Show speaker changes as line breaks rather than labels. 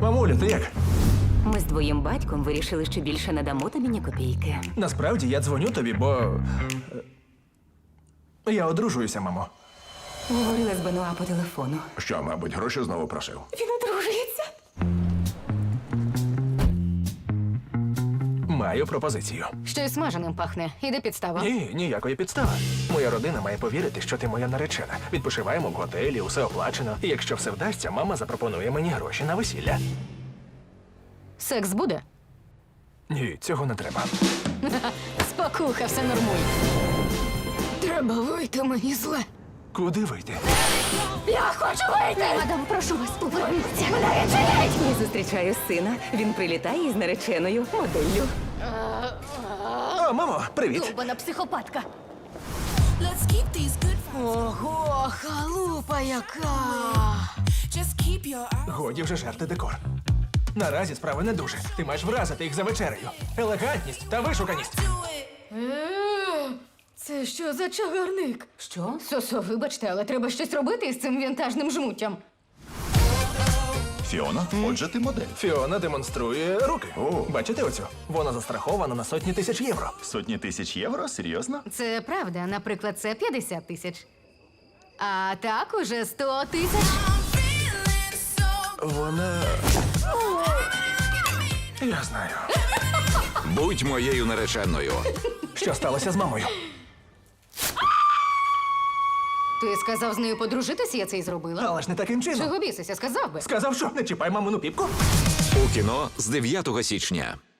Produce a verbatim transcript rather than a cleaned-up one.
Мамуля, ти як?
Ми з твоїм батьком вирішили, що більше не дамо тобі ні копійки.
Насправді я дзвоню тобі, бо. е, Я одружуюся, мамо.
Говорила з Бенуа по телефону.
Що, мабуть, гроші знову просив?
Він одружується.
Маю пропозицію.
Щось смаженим пахне. Іде підстава.
Ні, ніякої підстави. Моя родина має повірити, що ти моя наречена. Відпочиваємо в готелі, усе оплачено. І якщо все вдасться, мама запропонує мені гроші на весілля.
Секс буде?
Ні, цього не треба.
Спокуха, все нормуй. Треба вийти, мені зле.
Куди вийти?
Я хочу вийти! Мадам, прошу вас, поверніться. Мене відчиніть!
Я зустрічаю сина. Він прилітає із нареченою моделлю.
О, мамо, привіт!
Довбана психопатка.
Let's keep these good vibes.
Ого, халупа яка!
Just keep your eyes.
Годі вже жерти декор. Наразі справи не дуже. Ти маєш вразити їх за вечерею. Елегантність та вишуканість.
Do it.
Е, Це що за чагарник?
Що?
Сосо, вибачте, але треба щось робити із цим вінтажним жмуттям.
Фіона, отже, ти модель.
Фіона демонструє руки.
О.
Бачите оцю? Вона застрахована на сотні тисяч євро.
Сотні тисяч євро? Серйозно?
Це правда, наприклад, це п'ятдесят тисяч. А так уже сто тисяч.
I'm feeling so.
Вона. Я знаю.
Будь моєю нареченою.
Що сталося з мамою?
Ти сказав з нею подружитися, я це й зробила.
Але ж не таким чином.
Чого бісися, сказав би?
Сказав, що не чіпай мамину піпку.
У кіно з дев'ятого січня.